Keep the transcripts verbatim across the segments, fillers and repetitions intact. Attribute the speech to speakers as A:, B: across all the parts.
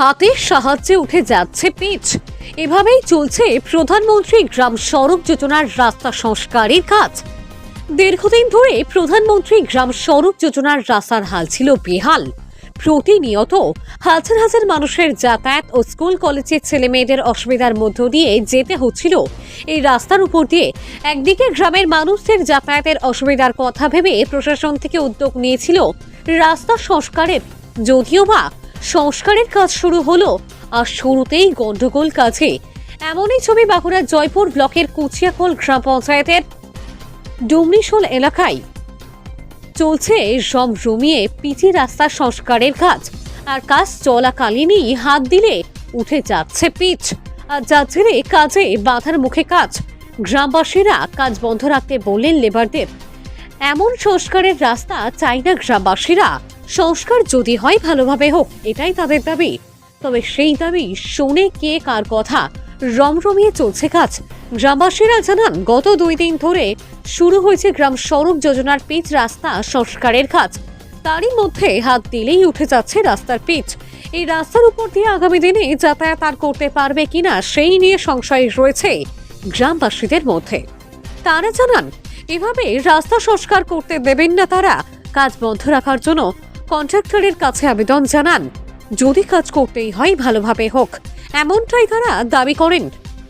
A: হাতের সাহায্যে উঠে যাচ্ছে পিচ। এভাবেই চলছে প্রধানমন্ত্রী গ্রাম সড়ক যোজনার রাস্তা সংস্কারের কাজ। দীর্ঘদিন ধরে প্রধানমন্ত্রী গ্রাম সড়ক যোজনার রাস্তার হাল ছিল বেহাল। প্রতিনিয়ত হাজার হাজার মানুষের যাতায়াত ও স্কুল কলেজের ছেলে মেয়েদের অসুবিধার মধ্য দিয়ে যেতে হচ্ছিল এই রাস্তার উপর দিয়ে। একদিকে গ্রামের মানুষদের যাতায়াতের অসুবিধার কথা ভেবে প্রশাসন থেকে উদ্যোগ নিয়েছিল রাস্তা সংস্কারের, যদিও বা সংস্কারের কাজ শুরু হলো আর শুরুতেই গন্ডগোল কাজে। এমনই ছবি বাঁকুড়ার জয়পুর ব্লকের কুচিয়াকোল গ্রাম পঞ্চায়েতের ডুমরিশোল এলাকায় চলছে রমরমিয়ে পিচি রাস্তা সংস্কারের কাজ। আর কাজ চলাকালীনই হাত দিলে উঠে যাচ্ছে পিচ, আর যার জেরে কাজে বাধার মুখে কাজ। গ্রামবাসীরা কাজ বন্ধ রাখতে বললেন লেবারদের। এমন সংস্কারের রাস্তা চাই না গ্রামবাসীরা। সংস্কার যদি হয় ভালোভাবে হোক, এটাই তাদের দাবি। তবে সেই দাবি শোনে কে কার কথা? রমরমিয়ে চলছে কাজ। গ্রামবাসীরা জানান, গত দুই দিন ধরে শুরু হয়েছে গ্রাম সড়ক যোজনার পিচ রাস্তা সংস্কারের কাজ। তারই মধ্যে হাত দিলেই উঠে যাচ্ছে রাস্তার পিচ। এই রাস্তার উপর দিয়ে আগামী দিনে যাতায়াত আর করতে পারবে কিনা সেই নিয়ে সংশয় রয়েছে গ্রামবাসীদের মধ্যে। তারা জানান, এভাবে রাস্তা সংস্কার করতে দেবেন না তারা। কাজ বন্ধ রাখার জন্য কন্ট্রাক্টরের কাছে আবেদন জানান, যদি কাজ করতেই হয় ভালোভাবে হোক, এমনটাই তারা দাবি করেন।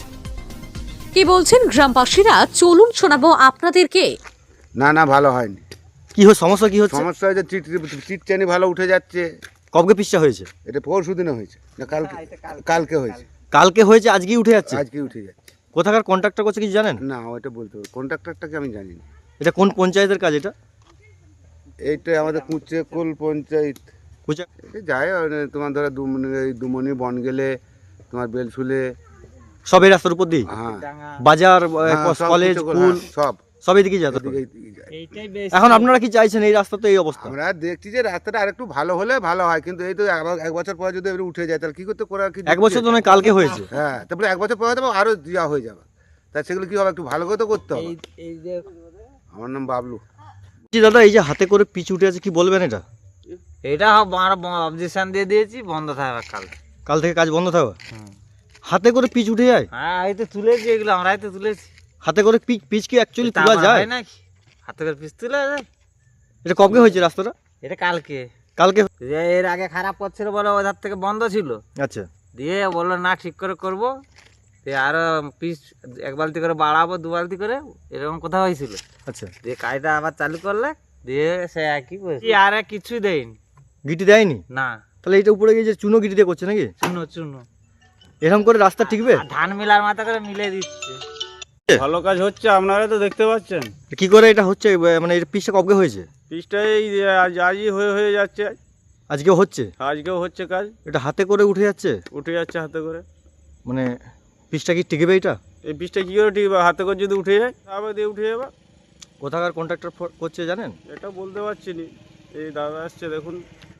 A: কি বলছেন গ্রামবাসীরা, চলুন শোনাবো আপনাদেরকে।
B: না না ভালো হয়নি।
C: কি হচ্ছে সমস্যা? কি হচ্ছে?
B: সমস্যা হয়েছে চিট চিটচানি ভালো উঠে যাচ্ছে।
C: কবে পিসটা হয়েছে?
B: এটা পরশু দিনে হয়েছে না কালকে? কালকে হয়েছে।
C: কালকে হয়েছে, আজকেই উঠে যাচ্ছে।
B: আজকে উঠে যাচ্ছে।
C: কোথাকার কন্ট্রাক্টর করছে কিছু জানেন?
B: না ওইটা বলতে হবে, কন্ট্রাক্টরটাকে আমি জানি না।
C: এটা কোন পঞ্চায়েতের কাজ এটা?
B: এইটা আমাদের কুচিয়াকোল পঞ্চায়েত।
C: কুচা
B: এই যায় মানে তোমার ধরো দুমনি দুমনি বন গেলে তোমার বেলসুলে
C: সব এই রাস্তার উপর দিয়ে?
B: হ্যাঁ
C: বাজার,
B: হ্যাঁ, সব
C: কলেজ,
B: কুচিয়াকোল,
C: স্কুল
B: হ্যাঁ, সব
C: সব এদিকে যায়।
B: এদিকে- এদিকে যায়।
C: এখন আপনারা কি চাইছেন এই রাস্তা তো এই অবস্থা?
B: আমরা দেখছি যে রাস্তাটা আরেকটু ভালো হলে ভালো হয়, কিন্তু এই তো আবার এক বছর পরে যদি এবারে উঠে যায় তাহলে কি করতে করা? কি
C: এক বছর তো নয়, কালকে হয়েছে।
B: হ্যাঁ, তারপরে এক বছর পরে হয়তো আরো দেওয়া হয়ে যাবে। তা সেগুলো কি হবে, একটু ভালো করে তো করতে হবে। আমার নাম বাবলু।
C: জি দাদা, এই যে হাতে করে পিচ উঠে আছে, কি বলবেন এটা?
D: এটা আমরা অবজেকশন দিয়ে দিয়েছি, বন্ধ থাকবে কাল।
C: কাল থেকে কাজ বন্ধ থাকবে? হাতে করে পিচ উঠে যায়?
D: হ্যাঁ এই তো তুলেছি, এগুলো আমরাই তো তুলেছি।
C: হাতে করে পিচ পিচ কি অ্যাকচুয়ালি
D: তা
C: তোলা
D: আবার
C: যায়
D: হয় নাকি? হাতে করে পিস তুলে যায়?
C: এটা কবে হয়েছে রাস্তাটা?
D: এটা কালকে।
C: কালকে?
D: যে এর আগে খারাপ করছিল বলে ওধার থেকে বন্ধ ছিল,
C: আচ্ছা।
D: দিয়ে বললো না ঠিক করে করবো, দিয়ে আরো পিস এক বালতি করে বাড়াবো, দু বালতি করে, এরকম কথা হয়েছিল।
C: আচ্ছা,
D: দিয়ে কাজটা আবার চালু করলে, দিয়ে সে একই করেছে, আর কিছুই দেয়নি।
C: গিটি দেয়নি?
D: না।
C: তাহলে এটা উপরে গিয়ে যে চুনো গিটি দিয়ে করছে নাকি?
D: চুনো চুনো
C: এরকম করে রাস্তা টিকবে?
D: আর ধান মিলার মাথা করে মিলে দিচ্ছে।
E: ভালো কাজ হচ্ছে, আপনারা তো দেখতে পাচ্ছেন।
C: কি করে এটা হচ্ছে? মানে এর পিচটা কবে হয়েছে?
E: পিচটা এই আজ আজই হয়ে হয়ে যাচ্ছে,
C: আজকেও হচ্ছে?
E: আজকেও হচ্ছে কাজ।
C: এটা হাতে করে উঠে যাচ্ছে?
E: উঠে যাচ্ছে হাতে করে।
C: মানে পিচটা কি টিকবে এটা?
E: এই পিচটা কী করে ঠিক হাতে করে যদি উঠে যায়, আবার দিয়ে উঠে যাবে।
C: কোথাকার কন্ট্রাক্টর করছে জানেন?
E: এটা বলতে পারছি না। এই দাদা আসছে দেখুন।